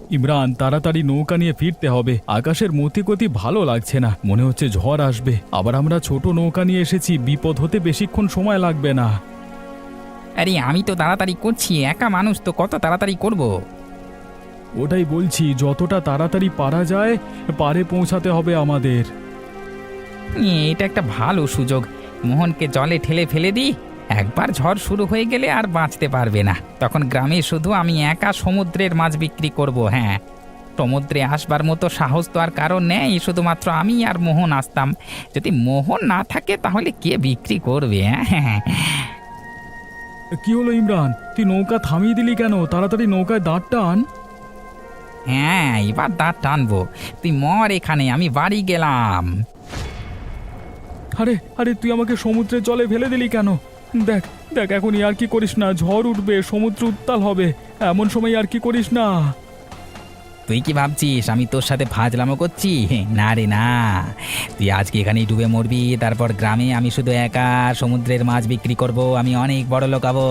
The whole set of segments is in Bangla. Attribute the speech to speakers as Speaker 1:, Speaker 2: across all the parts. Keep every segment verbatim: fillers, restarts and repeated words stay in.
Speaker 1: ইমরান, তাড়াতাড়ি নৌকা নিয়ে ফিরতে হবে। আকাশের মতিগতি ভালো লাগছে না, মনে হচ্ছে ঝড় আসবে। আবার আমরা ছোট নৌকা নিয়ে এসেছি, বিপদ হতে বেশিক্ষণ সময় লাগবে না।
Speaker 2: আরে আমি তো তাড়াতাড়ি করছি, একা মানুষ তো কত তাড়াতাড়ি করব।
Speaker 1: ওটাই বলছি, যতটা তাড়াতাড়ি পারা যায় পারে পৌঁছাতে হবে আমাদের।
Speaker 2: এ, এটা একটা ভালো সুযোগ। মোহনকে জলে ঠেলে ফেলে দিই, একবার ঝড় শুরু হয়ে গেলে আর বাঁচতে পারবে না। তখন গ্রামে শুধু আমি একা সমুদ্রের মাছ বিক্রি করব। হ্যাঁ, সমুদ্রে আসবার মতো সাহস তো আর কারণ নেই, শুধুমাত্র আমি আর মোহন আসতাম। যদি মোহন না থাকে তাহলে কে বিক্রি করবে? হ্যাঁ,
Speaker 1: কি হলো ইমরান, তুই নৌকা থামিয়ে দিলি কেন? তাড়াতাড়ি নৌকায় দাঁড় টান।
Speaker 2: হ্যাঁ, এবার দাঁত টানবো। তুই মর এখানে, আমি বাড়ি গেলাম।
Speaker 1: আরে আরে, তুই আমাকে সমুদ্রের জলে ফেলে দিলি কেন? দেখ দেখ, এখন আর কি করিস না, ঝড় উঠবে, সমুদ্র উত্তাল হবে, এমন সময় আর কি করিস না।
Speaker 2: তুই কি ভাবছিস আমি তোর সাথে ফাজলামো করছি? না রে না, তুই আজকে এখানেই ডুবে মরবি, তারপর গ্রামে আমি শুধু একা সমুদ্রের মাছ বিক্রি করব, আমি অনেক বড় লোক হবো।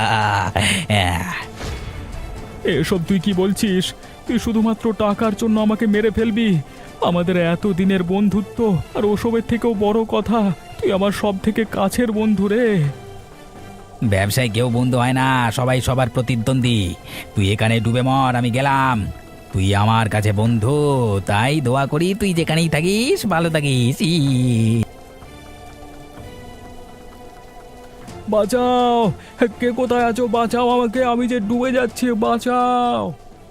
Speaker 1: এসব তুই কি বলছিস? তুই শুধুমাত্র টাকার জন্য আমাকে মেরে ফেলবি? আমাদের এত দিনের বন্ধুত্ব, আর ওসবের থেকেও বড় কথা, তুই আমার সব থেকে কাছের বন্ধু রে।
Speaker 2: ব্যবসায় কেউ বন্ধু হয় না, সবাই সবার প্রতিদ্বন্দ্বী। তুই এখানে ডুবে মর, আমি গেলাম। তুই আমার কাছে বন্ধু, তাই দোয়া করি তুই যেখানেই থাকিস ভালো থাকিস। ই
Speaker 1: বাঁচাও, কে কোথায় আছো? বাঁচাও আমাকে, আমি যে ডুবে যাচ্ছি, বাঁচাও।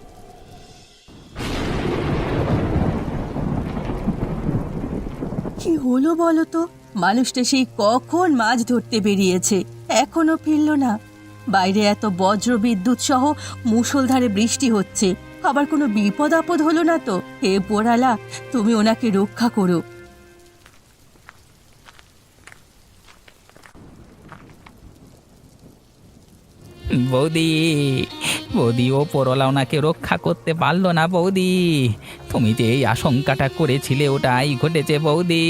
Speaker 3: কি হলো বলো তো? মানুষটা সেই কখন মাছ ধরতে বেরিয়েছে, এখনো ফিরলো না। বাইরে এত বজ্র বিদ্যুৎ সহ মুষলধারে বৃষ্টি হচ্ছে, আবার কোনো বিপদ আপদ হলো না তো? হে পোড়ালা, তুমি ওনাকে রক্ষা করো।
Speaker 2: বৌদি, বৌদি, ও পরলা ওনাকে রক্ষা করতে পারলো না। বৌদি, তুমি যে এই আশঙ্কাটা করেছিলে ওটাই ঘটেছে বৌদি।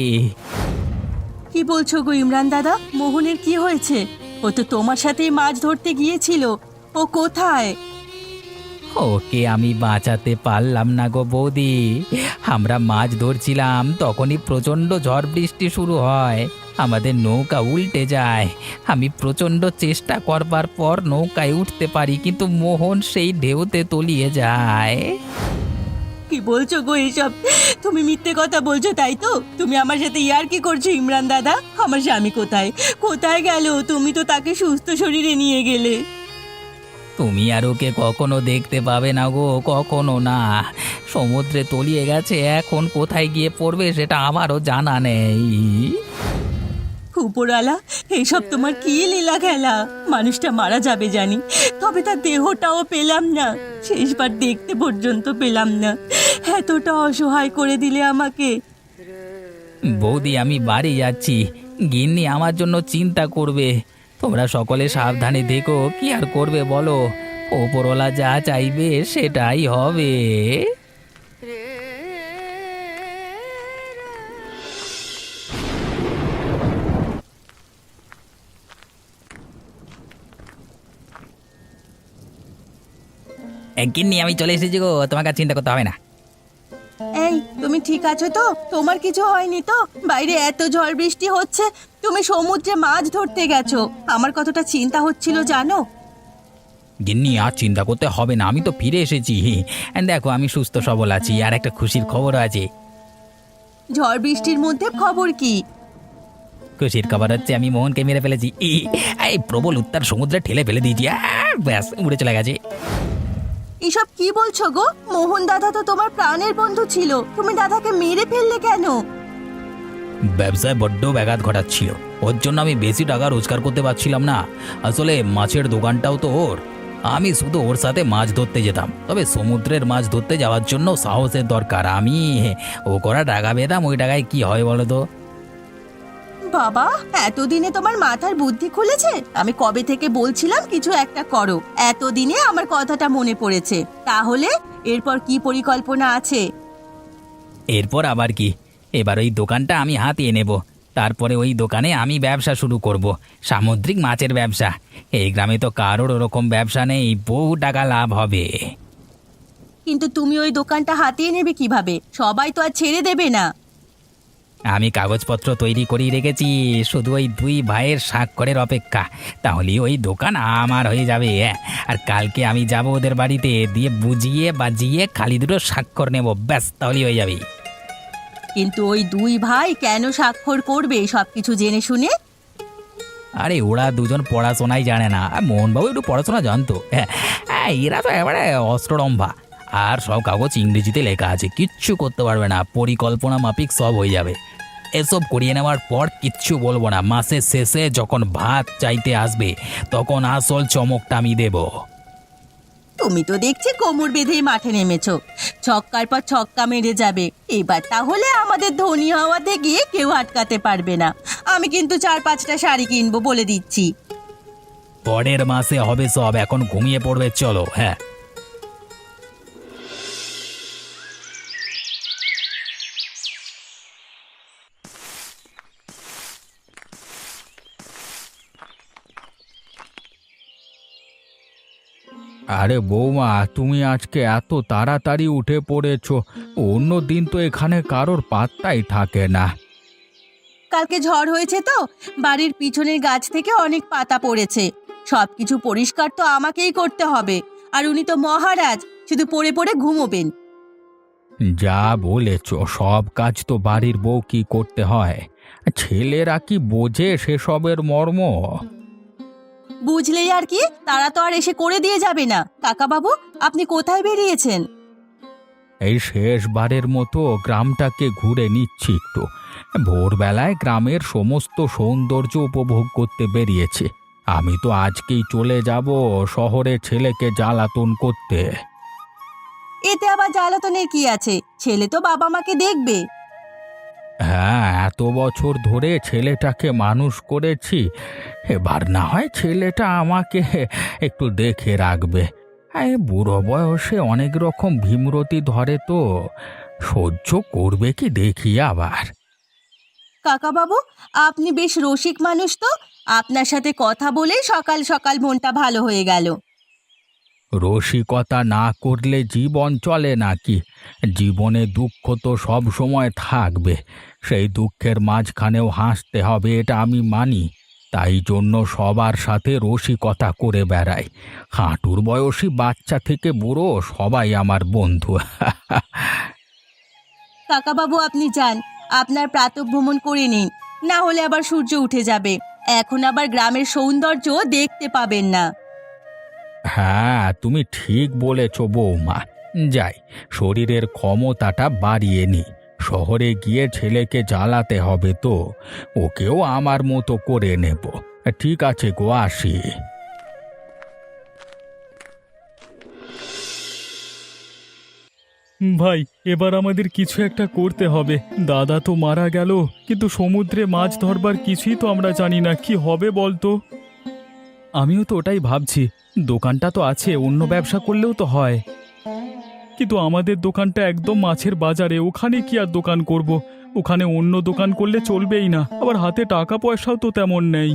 Speaker 3: কি বলছো গো ইমরান দাদা? মোহনের কি হয়েছে? ও তো তোমার সাথেই মাছ ধরতে গিয়েছিল, ও কোথায়?
Speaker 2: ওকে আমি বাঁচাতে পারলাম না গো বৌদি। আমরা মাছ ধরছিলাম, তখনই প্রচণ্ড ঝড় বৃষ্টি শুরু হয়, আমাদের নৌকা উল্টে যায়। আমি প্রচণ্ড চেষ্টা করবার পর নৌকায় উঠতে পারি, কিন্তু মোহন সেই ঢেউতে তলিয়ে যায়।
Speaker 3: কি বলছো গো এইসব? তুমি মিথ্যে কথা বলছো তাই তো? তুমি আমার সাথে ইয়ার কি করছো ইমরান দাদা? আমার স্বামী কোথায় কোথায় গেল? তুমি তো তাকে সুস্থ শরীরে নিয়ে গেলে।
Speaker 2: তুমি আর ওকে কখনো দেখতে পাবে না গো, কখনো না। সমুদ্রে তলিয়ে গেছে, এখন কোথায় গিয়ে পড়বে সেটা আমারও জানা নেই।
Speaker 3: উপরালা, এইসব তোমার কি লীলা খেলা? মানুষটা মারা যাবে জানি, তবে তার দেহটাও পেলাম না, শেষবার দেখতে পর্যন্ত পেলাম না। এতটা অসহায় করে দিলে আমাকে।
Speaker 2: বৌদি, আমি বাড়ি যাচ্ছি, গিন্নি আমার জন্য চিন্তা করবে। তোমরা সকলে সাবধানে দেখো, কি আর করবে বলো? ওপরওয়ালা যা চাইবে সেটাই হবে। এ, গিন্নি আমি চলে এসেছি গো, তোমাকে আর চিন্তা করতে হবে না।
Speaker 3: এই, তুমি ঠিক আছো তো? তোমার কিছু হয়নি তো? বাইরে এত ঝড় বৃষ্টি হচ্ছে, তুমি সমুদ্রে মাছ ধরতে গেছো, আমার কতটা চিন্তা হচ্ছিল জানো?
Speaker 2: গিন্নি আর চিন্তা করতে হবে না, আমি তো ফিরে এসেছি। দেখো আমি সুস্থ সবল আছি, আর একটা খুশির খবর আছে।
Speaker 3: ঝড় বৃষ্টির মধ্যে খবর কি?
Speaker 2: খুশির খবর হচ্ছে আমি মোহনকে মেরে ফেলেছি। ই, এই প্রবল উত্তাল সমুদ্রে ঠেলে ফেলে দিয়েছি, আহ, ব্যাস উড়ে চলে গেছে।
Speaker 3: এসব কি বলছো গো? মোহন দাদা তো তোমার প্রাণের বন্ধু ছিল, তুমি দাদাকে মেরে ফেললে কেন?
Speaker 2: ব্যবসায় বড্ড ব্যাঘাত ঘটাচ্ছিল, ওর জন্য আমি বেশি টাকা রোজগার করতে পারছিলাম না। আসলে মাছের দোকানটাও তো ওর, আমি শুধু ওর সাথে মাছ ধরতে যেতাম, তবে সমুদ্রের মাছ ধরতে যাওয়ার জন্য সাহসের দরকার। আমি ও করা টাকা পেতাম, ওই টাকায় কি হয় বলো তো?
Speaker 3: বাবা, এতদিনে তোমার মাথার বুদ্ধি খুলেছে? আমি কবে থেকে বলছিলাম কিছু একটা করো, এতদিনে আমার কথাটা মনে পড়েছে। তাহলে এরপর কি পরিকল্পনা আছে?
Speaker 2: এরপর আবার কি, এবার ওই দোকানটা আমি হাতিয়ে নেব, তারপরে ওই দোকানে আমি ব্যবসা শুরু করব, সামুদ্রিক মাছের ব্যবসা। এই গ্রামে তো কারোর ওরকম ব্যবসা নেই, বহু টাকা লাভ হবে।
Speaker 3: কিন্তু তুমি ওই দোকানটা হাতিয়ে নেবে কিভাবে? সবাই তো আর ছেড়ে দেবে না।
Speaker 2: আমি কাগজপত্র তৈরি করেই রেখেছি, শুধু ওই দুই ভাইয়ের স্বাক্ষরের অপেক্ষা। তাহলেই ওই দোকান আমার হয়ে যাবে। হ্যাঁ, আর কালকে আমি যাব ওদের বাড়িতে, দিয়ে বুঝিয়ে বাজিয়ে খালি দুটো স্বাক্ষর নেব, ব্যাস তাহলেই হয়ে যাবে।
Speaker 3: কিন্তু ওই দুই ভাই কেন স্বাক্ষর করবে সব কিছু জেনে শুনে?
Speaker 2: আরে ওরা দুজন পড়াশোনাই জানে না, আর মোহনবাবু একটু পড়াশোনা জানতো। হ্যাঁ হ্যাঁ, এরা তো এবারে অস্ত্ররম্ভা, আর সব কাগজ ইংরেজিতে লেখা আছে, কিচ্ছু করতে পারবে না, পরিকল্পনা মাফিক সব হয়ে যাবে। এসব করিয়ে নেওয়ার পর কিচ্ছু বলবো না, মাসের শেষে যখন ভাত চাইতে আসবে তখন আসল চমকটা আমি দেব।
Speaker 3: তুমি তো দেখছি কোমর বেঁধেই মাঠে নেমেছো, ছক্কার পর ছক্কা মেরে যাবে। এবার তাহলে আমাদের ধনী হওয়াতে গিয়ে কেউ আটকাতে পারবে না। আমি কিন্তু চার পাঁচটা শাড়ি কিনবো বলে দিচ্ছি।
Speaker 2: পরের মাসে হবে সব, এখন ঘুমিয়ে পড়বে, চলো। হ্যাঁ,
Speaker 1: আরে বৌমা, তুমি আজকে এত তাড়াতাড়ি উঠে পড়েছো? অন্য দিন তো এখানে কারোর পাত্তাই থাকে না।
Speaker 3: কালকে ঝড় হয়েছে তো, বাড়ির পিছনের গাছ থেকে অনেক পাতা পড়েছে। সবকিছু পরিষ্কার তো আমাকেই করতে হবে, আর উনি তো মহারাজ, শুধু পড়ে পড়ে ঘুমোবেন।
Speaker 1: যা বলেছো, সব কাজ তো বাড়ির বউ কি করতে হয়? ছেলেরা কি বোঝে সেসবের মর্ম?
Speaker 3: বুঝলেই আর কি, তারা তো আর এসে করে দিয়ে যাবে না। কাকা বাবু, আপনি কোথায় বেরিয়েছেন?
Speaker 1: এই শেষবারের মতো গ্রামটাকে ঘুরে নিচ্ছি একটু। ভোরবেলায় গ্রামের সমস্ত সৌন্দর্য উপভোগ করতে বেরিয়েছি। আমি তো আজকেই চলে যাব শহরে ছেলেকে জ্বালাতন করতে।
Speaker 3: এতে আবার জ্বালাতনের কি আছে? ছেলে তো বাবা মাকে দেখবে।
Speaker 1: হ্যাঁ, এত বছর ধরে ছেলেটাকে মানুষ করেছি, এবার না হয় ছেলেটা আমাকে একটু দেখে রাখবে। এই বুড়ো বয়সে অনেক রকম ভীমরতি ধরে, তো সহ্য করবে কি দেখি আবার।
Speaker 3: কাকা বাবু, আপনি বেশ রসিক মানুষ তো। আপনার সাথে কথা বলে সকাল সকাল মনটা ভালো হয়ে গেল।
Speaker 1: রসিকতা না করলে জীবন চলে নাকি? জীবনে দুঃখ তো সব সময় থাকবে, সেই দুঃখের মাঝখানেও হাসতে হবে, এটা আমি মানি। তাই জন্য সবার সাথে রসিকতা করে বেড়াই। হাঁটুর বয়সী বাচ্চা থেকে বুড়ো সবাই আমার বন্ধু।
Speaker 3: কাকা বাবু, আপনি যান, আপনার প্রাতঃভ্রমণ করে নিন, না হলে আবার সূর্য উঠে যাবে। এখন আবার গ্রামের সৌন্দর্য দেখতে পাবেন না।
Speaker 1: হ্যাঁ, তুমি ঠিক বলেছ বৌমা। যাই, শরীরের ক্ষমতাটা বাড়িয়ে নি। শহরে গিয়ে ছেলেকে জ্বালাতে হবে তো, ওকেও আমার মতো করে নেব। ঠিক আছে গো, আসি। ভাই, এবার আমাদের কিছু একটা করতে হবে। দাদা তো মারা গেল, কিন্তু সমুদ্রে মাছ ধরবার কিছুই তো আমরা জানি না, কি হবে বলতো? আমিও তো ওটাই ভাবছি। দোকানটা তো আছে, অন্য ব্যবসা করলেও তো হয়। কিন্তু আমাদের দোকানটা একদম মাছের বাজারে, ওখানে কি আর দোকান করব? ওখানে অন্য দোকান করলে চলবেই না, আবার হাতে টাকা পয়সাও তো তেমন নেই।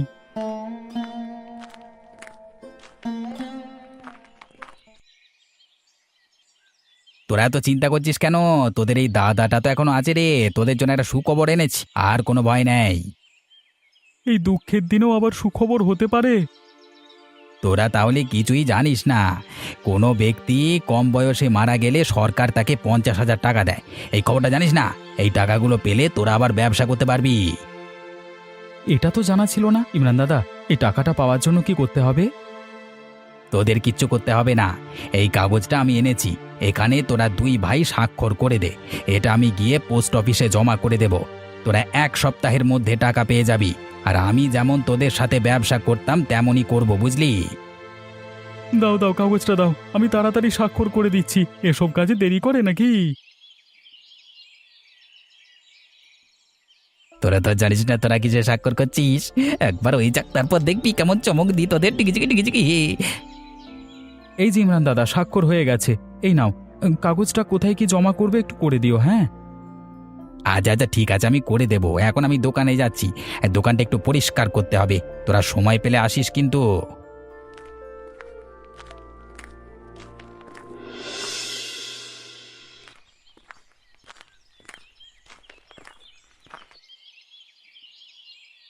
Speaker 2: তোরা এত চিন্তা করছিস কেন? তোদের এই দাদাটা তো এখনো আছে রে, তোদের জন্য একটা সুখবর এনেছি, আর কোনো ভয় নেই।
Speaker 1: এই দুঃখের দিনেও আবার সুখবর হতে পারে?
Speaker 2: তোরা তাহলে কিছুই জানিস না। কোনো ব্যক্তি কম বয়সে মারা গেলে সরকার তাকে পঞ্চাশ হাজার টাকা দেয়, এই খবরটা জানিস না? এই টাকাগুলো পেলে তোরা আবার ব্যবসা করতে পারবি।
Speaker 1: এটা তো জানা ছিল না। ইমরান দাদা, এই টাকাটা পাওয়ার জন্য কি করতে হবে?
Speaker 2: তোদের কিচ্ছু করতে হবে না, এই কাগজটা আমি এনেছি, এখানে তোরা দুই ভাই স্বাক্ষর করে দে। এটা আমি গিয়ে পোস্ট অফিসে জমা করে দেব। তোরা এক সপ্তাহের মধ্যে টাকা পেয়ে যাবি, আর আমি যেমন তোদের সাথে ব্যবসা করতাম তেমনই করব, বুঝলি?
Speaker 1: দাও দাও, কাগজটা দাও, আমি তাড়াতাড়ি স্বাক্ষর করে দিচ্ছি। এসব কাজে দেরি করে নাকি?
Speaker 2: তোরা তো জানিস না তোরা কিসে স্বাক্ষর করছিস। একবার ওই যাক, তারপর দেখবি কেমন চমক দি তোদের। টিকিচিকি টিকিচিকি।
Speaker 1: এই যে ইমরান দাদা, স্বাক্ষর হয়ে গেছে। এই নাও, কাগজটা কোথায় কি জমা করবে একটু করে দিও। হ্যাঁ,
Speaker 2: আচ্ছা আচ্ছা, ঠিক আছে, আমি করে দেবো। এখন আমি দোকানে যাচ্ছি, দোকানটা একটু পরিষ্কার করতে হবে। তোরা সময় পেলে আসিস কিন্তু।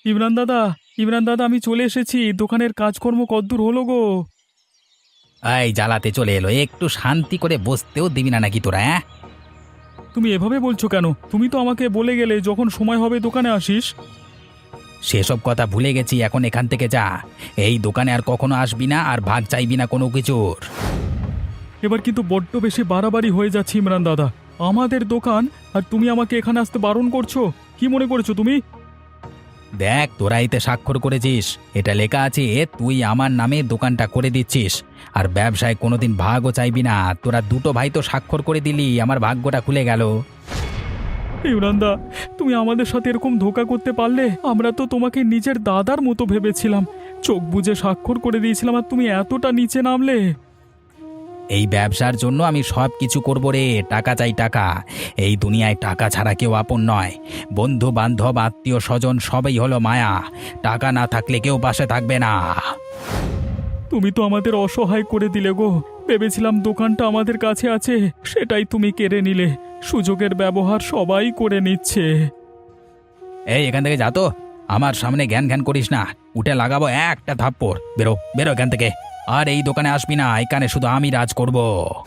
Speaker 1: ইমরান দাদা, ইমরান দাদা, আমি চলে এসেছি। দোকানের কাজকর্ম কদ্দূর হলো গো?
Speaker 2: এই জ্বালাতে চলে এলো, একটু শান্তি করে বসতেও দিবি না নাকি তোরা? হ্যাঁ,
Speaker 1: তুমি এভাবে বলছো কেন? তুমি তো আমাকে বলে গেলে যখন সময় হবে দোকানে আসিস।
Speaker 2: সেসব কথা ভুলে গেছি, এখন এখান থেকে যা। এই দোকানে আর কখনো আসবি না, আর ভাগ চাইবি না কোনো কিছুর।
Speaker 1: এবার কিন্তু বড্ড বেশি বাড়াবাড়ি হয়ে যাচ্ছে ইমরান দাদা। আমাদের দোকান আর তুমি আমাকে এখানে আসতে বারণ করছো? কি মনে করছো তুমি?
Speaker 2: দেখ, তোরা এতে স্বাক্ষর করেছিস, এটা লেখা আছে তুই আমার নামে দোকানটা করে দিচ্ছিস, আর ব্যবসায় কোনোদিন ভাগও চাইবি না। তোরা দুটো ভাই তো স্বাক্ষর করে দিলি, আমার ভাগ্যটা খুলে গেল।
Speaker 1: ইমরান দা, তুমি আমাদের সাথে এরকম ধোঁকা করতে পারলে? আমরা তো তোমাকে নিজের দাদার মতো ভেবেছিলাম, চোখ বুজে স্বাক্ষর করে দিয়েছিলাম, আর তুমি এতটা নিচে নামলে।
Speaker 2: এই ব্যবসার জন্য আমি সব কিছু করবো রে, টাকা চাই টাকা। এই দুনিয়ায় টাকা ছাড়া কেউ আপন নয়। বন্ধু বান্ধব আত্মীয় স্বজন সবই হলো মায়া, টাকা না থাকলে কেউ পাশে থাকবে না।
Speaker 1: তুমি তো আমাদের অসহায় করে দিলে গো। ভেবেছিলাম দোকানটা আমাদের কাছে আছে, সেটাই তুমি কেড়ে নিলে। সুযোগের ব্যবহার সবাই করে নিচ্ছে।
Speaker 2: এই এখান থেকে যা তো, আমার সামনে জ্ঞান জ্ঞান করিস না, উঠে লাগাবো একটা থাপ্পড়। বেরো বেরো এখান থেকে, আর এই দোকানে আসবি না, এখানে শুধু আমি রাজ করব।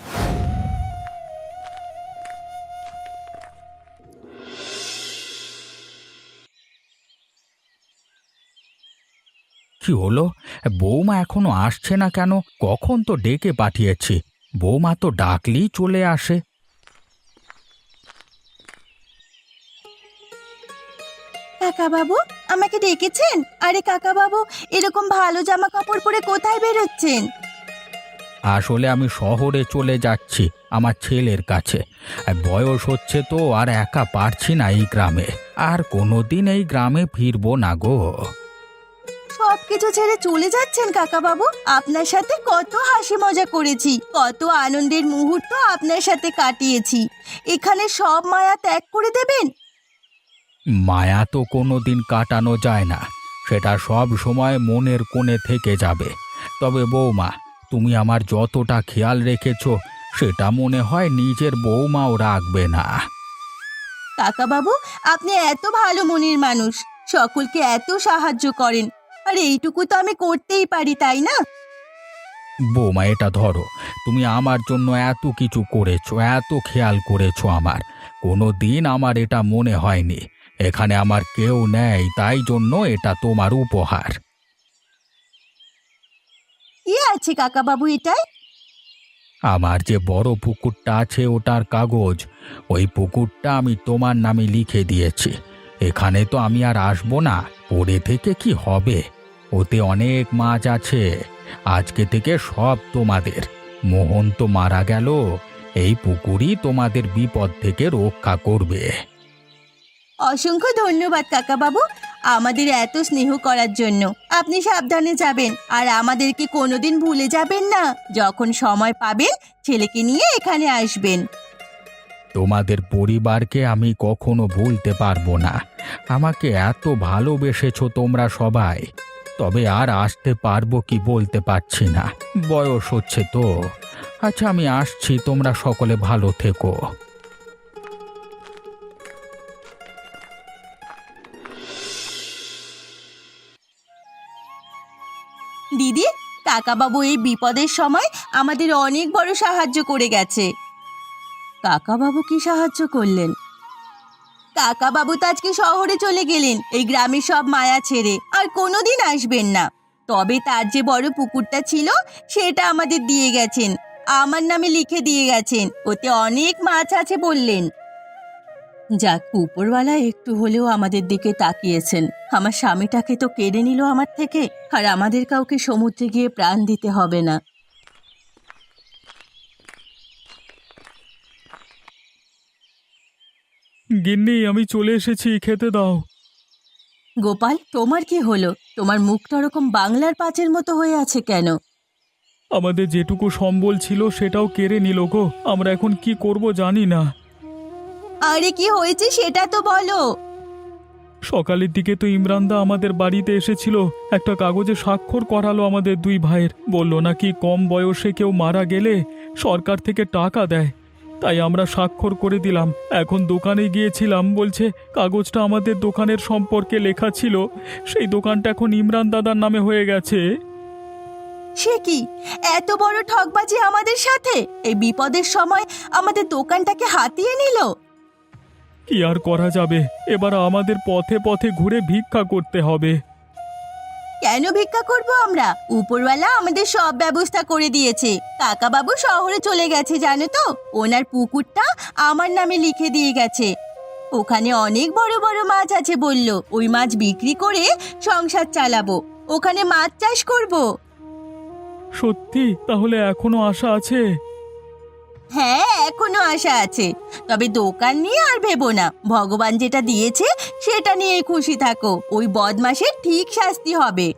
Speaker 2: কি হলো? বৌমা এখনো আসছে না কেন? কখন তো ডেকে পাঠিয়েছি, বৌমা তো ডাকলেই চলে আসে।
Speaker 3: কাকা বাবু, আমাকে ডেকেছেন? আরে কাকা বাবু, এরকম ভালো জামা কাপড় পরে কোথায় বেরোচ্ছেন?
Speaker 2: আসলে আমি শহরে চলে যাচ্ছি আমার ছেলের কাছে। আর বয়স হচ্ছে তো, আর একা পারছি না এই গ্রামে। আর কোনোদিন এই গ্রামে ফিরবো না গো।
Speaker 3: সব কিছু ছেড়ে চলে যাচ্ছেন কাকা বাবু? আপনার সাথে কত হাসি মজা করেছি, কত আনন্দের মুহূর্ত আপনার সাথে কাটিয়েছি। এখানে সব মায়া ত্যাগ করে দেবেন?
Speaker 2: মায়া তো কোনোদিন কাটানো যায় না, সেটা সব সময় মনের কোণে থেকে যাবে। তবে বৌমা, তুমি আমার যতটা খেয়াল রেখেছো, সেটা মনে হয় নিজের বৌমাও রাখবে না।
Speaker 3: কাকা বাবু, আপনি এত ভালো মনের মানুষ, সকলকে এত সাহায্য করেন, আর এইটুকু তো আমি করতেই পারি, তাই না?
Speaker 2: বৌমা, এটা ধরো, তুমি আমার জন্য এত কিছু করেছো, এত খেয়াল করেছো আমার, কোনো দিন আমার এটা মনে হয়নি এখানে আমার কেউ নেই, তাই জন্য এটা তোমার উপহার।
Speaker 3: কি আছে কাকা বাবু এটাই?
Speaker 2: আমার যে বড় পুকুরটা আছে ওটার কাগজ, ওই পুকুরটা আমি তোমার নামে লিখে দিয়েছি। এখানে তো আমি আর আসবো না, পড়ে থেকে কি হবে? ওতে অনেক মাছ আছে, আজকে থেকে সব তোমাদের। মোহন তো মারা গেল, এই পুকুরই তোমাদের বিপদ থেকে রক্ষা করবে।
Speaker 3: অসংখ্য ধন্যবাদ কাকা বাবু, আমাদের এত স্নেহ করার জন্য। আপনি সাবধানে যাবেন, আর আমাদেরকে কোনোদিন ভুলে যাবেন না। যখন সময় পাবেন ছেলেকে নিয়ে এখানে আসবেন।
Speaker 2: তোমাদের পরিবারকে আমি কখনো ভুলতে পারবো না। আমাকে এত ভালোবেসেছো তোমরা সবাই। তবে আর আসতে পারবো কি বলতে পারছি না, বয়স হচ্ছে তো। আচ্ছা, আমি আসছি, তোমরা সকলে ভালো থেকো।
Speaker 3: দিদি, কাকা বাবু এই বিপদের সময় আমাদের অনেক বড় সাহায্য করে গেছে। কাকা বাবু কি সাহায্য করলেন? কাকা বাবু তো আজকে শহরে চলে গেলেন, এই গ্রামে সব মায়া ছেড়ে, আর কোনোদিন আসবেন না। তবে তার যে বড় পুকুরটা ছিল সেটা আমাদের দিয়ে গেছেন, আমার নামে লিখে দিয়ে গেছেন, ওতে অনেক মাছ আছে বললেন। যাক, উপরওয়ালা একটু হলেও আমাদের দিকে তাকিয়েছেন। আমার স্বামীটাকে তো কেড়ে নিল আমার থেকে, আর আমাদের কাউকে সমুদ্রে গিয়ে প্রাণ দিতে হবে না।
Speaker 1: গিন্নি, আমি চলে এসেছি, খেতে দাও।
Speaker 3: গোপাল, তোমার কি হলো? তোমার মুখটা ওরকম বাংলার পাঁচের মতো হয়ে আছে কেন?
Speaker 1: আমাদের যেটুকু সম্বল ছিল সেটাও কেড়ে নিল গো। আমরা এখন কি করব জানি না।
Speaker 3: আরে কি হয়েছে সেটা তো বলো।
Speaker 1: সকালের দিকে তো ইমরানদা আমাদের বাড়িতে এসেছিল, একটা কাগজে স্বাক্ষর করালো আমাদের দুই ভাইয়ের। বলল নাকি কম বয়সে কেউ মারা গেলে সরকার থেকে টাকা দেয়। তাই আমরা স্বাক্ষর করে দিলাম। এখন দোকানে গিয়েছিলাম, বলছে কাগজটা আমাদের দোকানের সম্পর্কে লেখা ছিল, সেই দোকানটা এখন ইমরান দাদার নামে হয়ে গেছে।
Speaker 3: সে কি, এত বড় ঠকবাজি আমাদের সাথে! এই বিপদের সময় আমাদের দোকানটাকে হাতিয়ে নিল।
Speaker 1: কি আর করা যাবে, এবার আমাদের পথে পথে ঘুরে ভিক্ষা করতে হবে।
Speaker 3: কেন ভিক্ষা করব আমরা? উপরওয়ালা আমাদের সব ব্যবস্থা করে দিয়েছে। কাকাবাবু শহরে চলে গেছে জানো তো, ওনার পুকুরটা আমার নামে লিখে দিয়ে গেছে। ওখানে অনেক বড় বড় মাছ আছে বলল, ওই মাছ বিক্রি করে সংসার চালাবো, ওখানে মাছ চাষ করব।
Speaker 1: সত্যি? তাহলে এখনো আশা আছে?
Speaker 3: হ্যাঁ, এখনো আশা আছে, তবে দোকান নিয়ে আর ভেবো না। ভগবান যেটা দিয়েছে সেটা নিয়ে খুশি থাকো। ওই বদমাশের ঠিক শাস্তি হবে।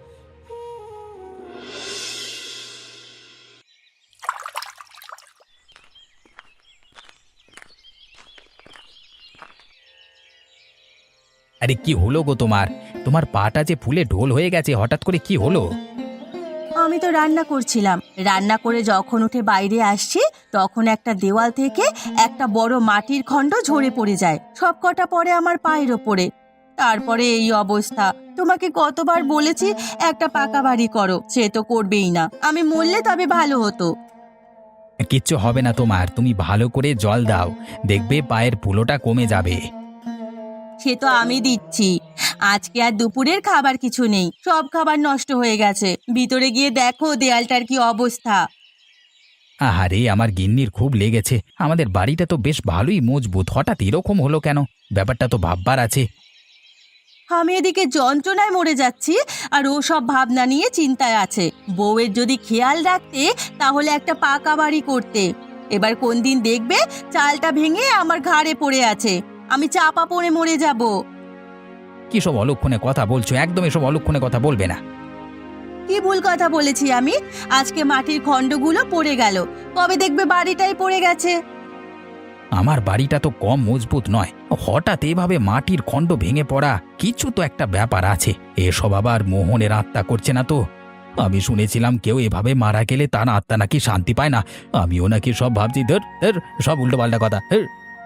Speaker 2: আরে কি হলো গো তোমার? তোমার পাটা যে ফুলে ঢোল হয়ে গেছে, হঠাৎ করে কি হলো?
Speaker 3: আমি তো রান্না করছিলাম, রান্না করে যখন উঠে বাইরে আসছি তখন একটা দেওয়াল থেকে একটা বড় মাটির খণ্ড ঝরে পড়ে যায়, সব কটা পড়ে আমার পায়ের ওপরে। তারপরে এই অবস্থা। তোমাকে কতবার বলেছি একটা পাকা বাড়ি করো, সে তো করবেই না। আমি মরলে তবে ভালো হতো।
Speaker 2: কিচ্ছু হবে না তোমার, তুমি ভালো করে জল দাও, দেখবে পায়ের ফুলোটা কমে যাবে।
Speaker 3: সে তো আমি দিচ্ছি। আজকে আর দুপুরের খাবার কিছু নেই, সব খাবার নষ্ট হয়ে গেছে। ভিতরে গিয়ে দেখো দেয়ালটার কি অবস্থা।
Speaker 2: আহারে, আমার গিন্নির খুব লেগেছে। আমাদের বাড়িটা তো বেশ ভালোই মজবুত, হঠাৎ এরকম হলো কেন? ব্যাপারটা তো ভাববার আছে।
Speaker 3: আমি এদিকে যন্ত্রণায় মরে যাচ্ছি আর ও সব ভাবনা নিয়ে চিন্তায় আছে। বউয়ের যদি খেয়াল রাখতে তাহলে একটা পাকা বাড়ি করতে। এবার কোন দিন দেখবে চালটা ভেঙে আমার ঘাড়ে পড়ে আছে, আমি চাপা পড়ে মরে যাব।
Speaker 2: কি সব অলক্ষণে কথা বলছো? একদম এসব অলক্ষণে কথা বলবে না।
Speaker 3: কি ভুল কথা বলেছি আমি? আজকে মাটির খণ্ডগুলো পড়ে গেল, কবে দেখবে বাড়িটাই পড়ে গেছে।
Speaker 2: আমার বাড়িটা তো কম মজবুত নয়, হঠাৎ এভাবে মাটির খণ্ড ভেঙে পড়া, কিছু তো একটা ব্যাপার আছে। এসব আবার মোহনের আত্মা করছে না তো? আমি শুনেছিলাম কেউ এভাবে মারা গেলে তার আত্মা নাকি শান্তি পায় না। আমিও নাকি সব ভাবছি, ধর ধর সব উল্টো পাল্টা কথা। ধর।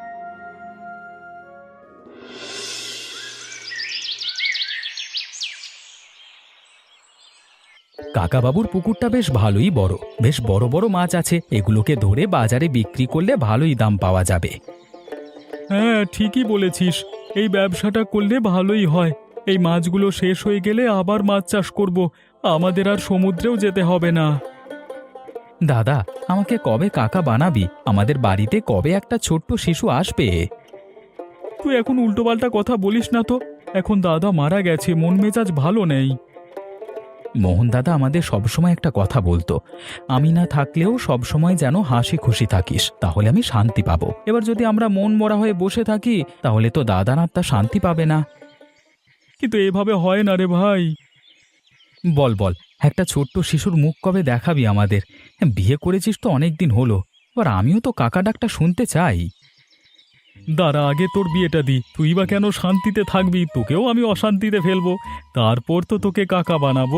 Speaker 2: কাকাবাবুর পুকুরটা বেশ ভালোই বড়, বেশ বড় বড় মাছ আছে। এগুলোকে ধরে বাজারে বিক্রি করলে ভালোই দাম পাওয়া যাবে।
Speaker 1: হ্যাঁ, ঠিকই বলেছিস, এই ব্যবসাটা করলে ভালোই হয়। এই মাছগুলো শেষ হয়ে গেলে আবার মাছ চাষ করব, আমাদের আর সমুদ্রেও যেতে হবে না।
Speaker 2: দাদা, আমাকে কবে কাকা বানাবি? আমাদের বাড়িতে কবে একটা ছোট্ট শিশু আসবে?
Speaker 1: তুই এখন উল্টোপাল্টা কথা বলিস না তো। এখন দাদা মারা গেছে, মন মেজাজ ভালো নেই।
Speaker 2: মোহন দাদা আমাদের সবসময় একটা কথা বলতো, আমি না থাকলেও সবসময় যেন হাসি খুশি থাকিস, তাহলে আমি শান্তি পাবো। এবার যদি আমরা মন মরা হয়ে বসে থাকি তাহলে তো দাদার আত্মা শান্তি পাবে না।
Speaker 1: কিন্তু এভাবে হয় না রে ভাই।
Speaker 2: বল বল, একটা ছোট্ট শিশুর মুখ কবে দেখাবি আমাদের? বিয়ে করেছিস তো অনেক দিন হলো, এবার আমিও তো কাকা ডাকটা শুনতে চাই।
Speaker 1: দাঁড়া, আগে তোর বিয়েটা দি, তুই বা কেন শান্তিতে থাকবি? তোকেও আমি অশান্তিতে ফেলবো, তারপর তো তোকে কাকা বানাবো।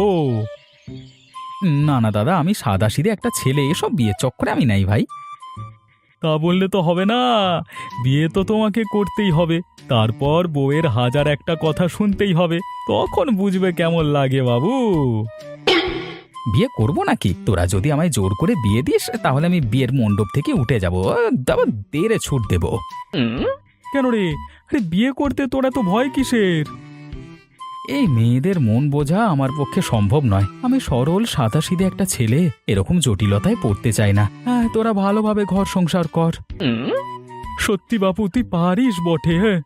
Speaker 2: না না দাদা, আমি সাদাসিধে একটা ছেলে, এসব বিয়ে চক্করে আমি নাই ভাই।
Speaker 1: তা বললে তো হবে না, বিয়ে তো তোমাকে করতেই হবে, তারপর বউয়ের হাজার একটা কথা শুনতেই হবে, তখন বুঝবে কেমন লাগে বাবু।
Speaker 2: বিয়ে করব নাকি? তোরা যদি আমায় জোর করে বিয়ে দিস তাহলে আমি বিয়ের মণ্ডপ থেকে উঠে যাবো, তারপর দেরে ছুট দেব।
Speaker 1: কেন রে? আরে বিয়ে করতে তোরা তো ভয় কিসের?
Speaker 2: এই মেয়েদের মন বোঝা আমার পক্ষে সম্ভব নয়। আমি সরল সাদাসিধে একটা ছেলে, এরকম জটিলতায় পড়তে চাই না। হ্যাঁ, তোরা ভালোভাবে ঘর সংসার কর।
Speaker 1: সত্যি বাপু, তুই পারিস বটে। হ্যাঁ,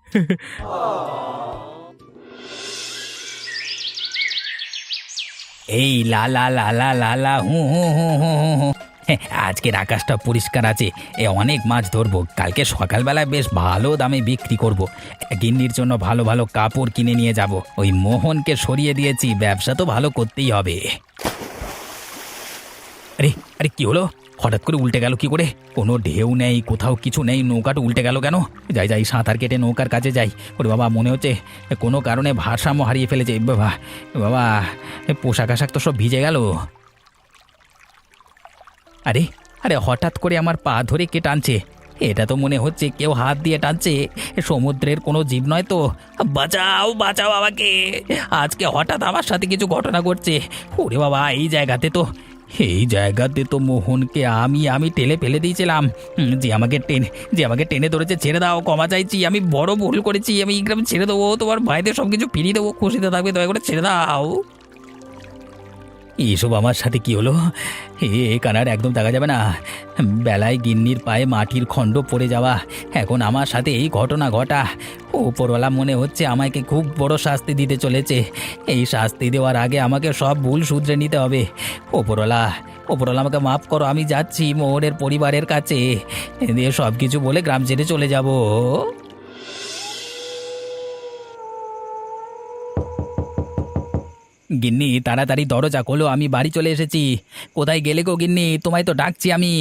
Speaker 2: এই লা লা লা লা লা লা হু হু হু হু হু হু। আজকের আকাশটা পরিষ্কার আছে, এ অনেক মাছ ধরবো। কালকে সকালবেলায় বেশ ভালো দামে বিক্রি করব। গিন্নির জন্য ভালো ভালো কাপড় কিনে নিয়ে যাব। ওই মোহনকে সরিয়ে দিয়েছি, ব্যবসা তো ভালো করতেই হবে। আরে আরে কি হলো? হঠাৎ করে উল্টে গেল কি করে? কোনো ঢেউ নেই, কোথাও কিছু নেই, নৌকাটা উল্টে গেল কেন? যাই যাই সাঁতার কেটে নৌকার কাছে যাই। ওরে বাবা, মনে হচ্ছে কোনো কারণে ভারসাম্য হারিয়ে ফেলেছে। বাবা বাবা, পোশাক আশাক তো সব ভিজে গেল। আরে আরে হঠাৎ করে আমার পা ধরে কে টানছে? এটা তো মনে হচ্ছে কেউ হাত দিয়ে টানছে। সমুদ্রের কোনো জীব নয় তো? বাঁচাও, বাঁচাও আমাকে! আজকে হঠাৎ আমার সাথে কিছু ঘটনা ঘটছে। ওরে বাবা, এই জায়গাতে তো এই জায়গাতে তো মোহনকে আমি আমি টেলে ফেলে দিয়েছিলাম। হুম, যে আমাকে টেনে যে আমাকে টেনে ধরেছে, ছেড়ে দাও, ক্ষমা চাইছি, আমি বড় ভুল করেছি, আমি এই গ্রামে ছেড়ে দেবো, তোমার ভাইদের সব কিছু ফিরিয়ে দেবো, খুশিতে থাকবে, দয়া করে ছেড়ে দাও। এসব আমার সাথে কি হলো? এ কানার একদম দেখা যাবে না। বেলায় গিন্নির পায়ে মাটির খণ্ড পড়ে যাওয়া, এখন আমার সাথে এই ঘটনা ঘটা। ওপরওয়ালা মনে হচ্ছে আমাকে খুব বড় শাস্তি দিতে চলেছে। এই শাস্তি দেওয়ার আগে আমাকে সব ভুল শুধরে নিতে হবে। ওপরওয়ালা ওপরওয়ালা আমাকে মাফ করো, আমি যাচ্ছি মোহরের পরিবারের কাছে, দিয়ে সব কিছু বলে গ্রাম ছেড়ে চলে যাব। গিন্নি, তাড়াতাড়ি দরজা খোলো, আমি বাড়ি চলে এসেছি। কোথায় গেলে গো গিন্নি? তোমায় তো ডাকছি আমি।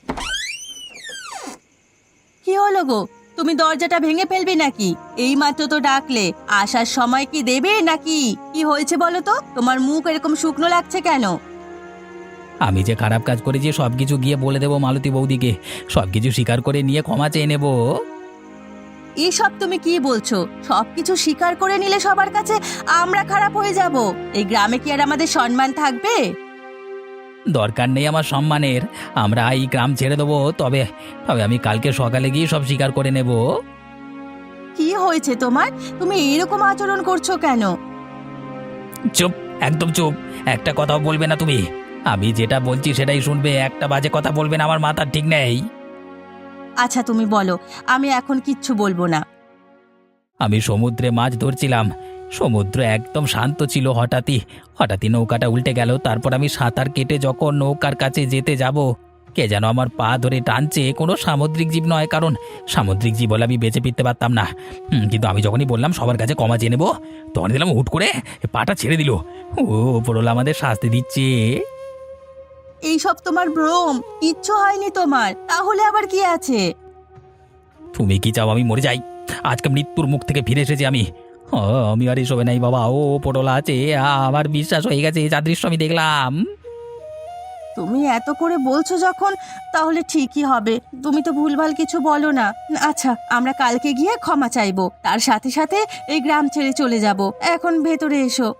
Speaker 3: কি হলো গো, তুমি দরজাটা ভেঙে ফেলবে নাকি? এই মাত্র তো ডাকলে, আসার সময় কি দেবে নাকি? কি হয়েছে বলো তো, তোমার মুখ এরকম শুকনো লাগছে কেন?
Speaker 2: আমি যে খারাপ কাজ করেছি সব কিছু গিয়ে বলে দেবো মালতী বৌদিকে, সব কিছু স্বীকার করে নিয়ে ক্ষমা চেয়ে নেবো।
Speaker 3: এসব তুমি কি বলছো? সবকিছু স্বীকার করে নিলে সবার কাছে আমরা খারাপ হয়ে যাব? এই গ্রামে কি আর আমাদের সম্মান থাকবে?
Speaker 2: দরকার নেই আমার সম্মানের, আমরা এই গ্রাম ছেড়ে দেবো। তবে তবে আমি কালকে সকালে গিয়ে সব স্বীকার করে নেব।
Speaker 3: কি হয়েছে তোমার? তুমি এরকম আচরণ করছো কেন?
Speaker 2: চুপ, একদম চুপ, একটা কথাও বলবে না তুমি। আমি যেটা বলছি সেটাই শুনবে, একটা বাজে কথা বলবে না, আমার মাথার ঠিক নেই।
Speaker 3: আচ্ছা তুমি বলো, আমি এখন কিচ্ছু বলবো না।
Speaker 2: আমি সমুদ্রে মাছ ধরছিলাম, সমুদ্র একদম শান্ত ছিল। হঠাৎই হঠাৎই নৌকাটা উল্টে গেল। তারপর আমি সাঁতার কেটে যখন নৌকার কাছে যেতে যাব, কে যেন আমার পা ধরে টানছে। কোনো সামুদ্রিক জীব নয়, কারণ সামুদ্রিক জীব হলে আমি বেঁচে ফিরতে পারতাম না। হুম, কিন্তু আমি যখনই বললাম সবার কাছে ক্ষমা চেয়ে নেবো, তখন দিলাম হুট করে পাটা ছেড়ে দিল। ও ওপরওয়ালা আমাদের শাস্তি দিচ্ছে।
Speaker 3: এইসব তোমার ভ্রম, কিচ্ছু হয়নি তোমার, তাহলে আবার কি আছে?
Speaker 2: তুমি কি চাও আমি মরে যাই? আজকে মৃত্যুর মুখ থেকে ফিরে এসেছি আমি। ও, আমি আর এসবে নাই বাবা, ও ওপরওয়ালা আছে, আমার বিশ্বাস হয়ে গেছে, যা দৃশ্য আমি দেখলাম।
Speaker 3: তুমি এত করে বলছো যখন, তাহলে ঠিকই হবে। তুমি তো ভুলভাল কিছু বলো না। আচ্ছা, আমরা কালকে গিয়ে ক্ষমা চাইবো, তার সাথে সাথে এই গ্রাম ছেড়ে চলে যাব। এখন ভেতরে এসো।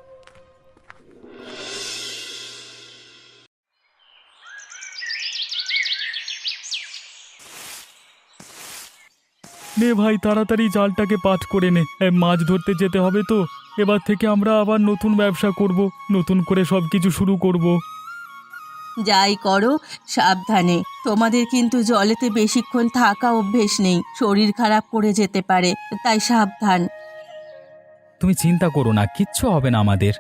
Speaker 1: নে ভাই, তাড়াতাড়ি জালটাকে পাঠ করে নে, এ, মাছ ধরতে যেতে হবে তো। এবার থেকে আমরা আবার নতুন ব্যবসা করব, নতুন করে সব কিছু শুরু করব।
Speaker 3: যাই করো সাবধানে। তোমাদের কিন্তু জলেতে বেশিক্ষণ থাকা অভ্যেস নেই, শরীর খারাপ করে যেতে পারে, তাই সাবধান।
Speaker 1: তুমি চিন্তা করো না, কিচ্ছু হবে না আমাদের।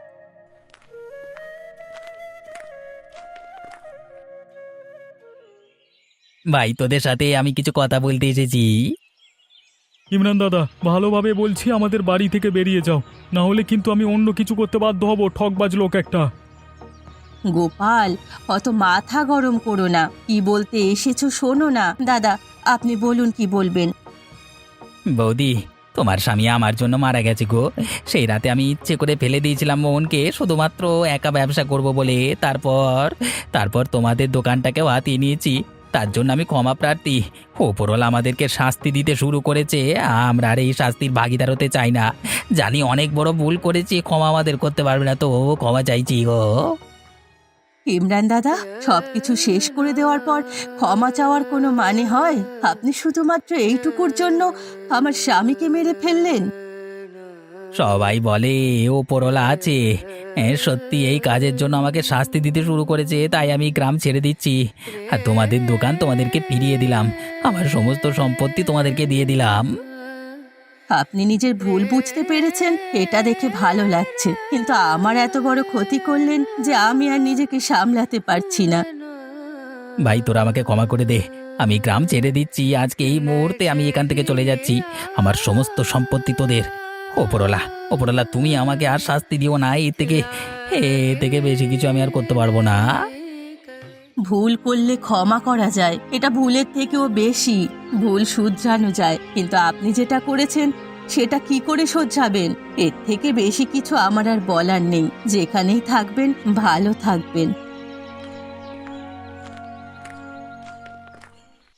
Speaker 2: ভাই, তোদের সাথে আমি কিছু কথা বলতে এসেছি।
Speaker 1: ইমরান দাদা, ভালোভাবে বলছি, আমাদের বাড়ি থেকে বেরিয়ে যাও, না হলে কিন্তু আমি অন্য কিছু করতে বাধ্য হব। ঠকবাজ লোক একটা।
Speaker 3: গোপাল, অত মাথা গরম করো না, কি বলতে এসেছো শোনো না। দাদা, আপনি বলুন, কি বলবেন?
Speaker 2: বৌদি, তোমার স্বামী আমার জন্য মারা গেছে গো। সেই রাতে আমি ইচ্ছে করে ফেলে দিয়েছিলাম মোহনকে, শুধুমাত্র একা ব্যবসা করব বলে। তারপর তারপর তোমাদের দোকানটাকেও হাতিয়ে নিয়েছি, তার জন্য আমি ক্ষমা প্রার্থী। ওপরওয়ালা আমাদেরকে শাস্তি দিতে শুরু করেছে, আমরা আর এই শাস্তির ভাগিদার হতে চাই না। জানি অনেক বড় ভুল করেছি, ক্ষমা আমাদের করতে পারবে না, তো ক্ষমা চাইছি গো।
Speaker 3: ইমরান দাদা, সবকিছু শেষ করে দেওয়ার পর ক্ষমা চাওয়ার কোনো মানে হয়? আপনি শুধুমাত্র এইটুকুর জন্য আমার স্বামীকে মেরে ফেললেন।
Speaker 2: সবাই বলে ওপরওয়ালা আছে, হ্যাঁ, সত্যি এই কাজের জন্য আমাকে শাস্তি দিতে শুরু করেছে, তাই আমি গ্রাম ছেড়ে দিচ্ছি। আর তোমাদের দোকান তোমাদেরকে ফিরিয়ে দিলাম, আমার সমস্ত সম্পত্তি তোমাদেরকে দিয়ে দিলাম।
Speaker 3: আপনি নিজের ভুল বুঝতে পেরেছেন, এটা দেখে ভালো লাগছে, কিন্তু আমার এত বড় ক্ষতি করলেন যে আমি আর নিজেকে সামলাতে পারছি না।
Speaker 2: ভাই, তোরা আমাকে ক্ষমা করে দে, আমি গ্রাম ছেড়ে দিচ্ছি, আজকে এই মুহূর্তে আমি এখান থেকে চলে যাচ্ছি। আমার সমস্ত সম্পত্তি তোদের। ওপরওয়ালা ওপরওয়ালা তুমি আমাকে আর শাস্তি দিও না, এর থেকে এর থেকে বেশি কিছু আমি আর করতে পারবো না।
Speaker 3: ভুল করলে ক্ষমা করা যায়, এটা ভুলের থেকেও বেশি। ভুল শুধরানো যায়, কিন্তু আপনি যেটা করেছেন সেটা কি করে শোধরাবেন? এর থেকে বেশি কিছু আমার আর বলার নেই। যেখানেই থাকবেন ভালো থাকবেন।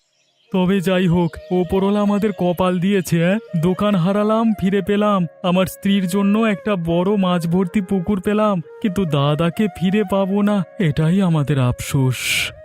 Speaker 1: তবে যাই হোক, ওপরওয়ালা আমাদের কপাল দিয়েছে। হ্যাঁ, দোকান হারালাম, ফিরে পেলাম। আমার স্ত্রীর জন্য একটা বড় মাছ ভর্তি পুকুর পেলাম, কিন্তু দাদাকে ফিরে পাবো না, এটাই আমাদের আফসোস।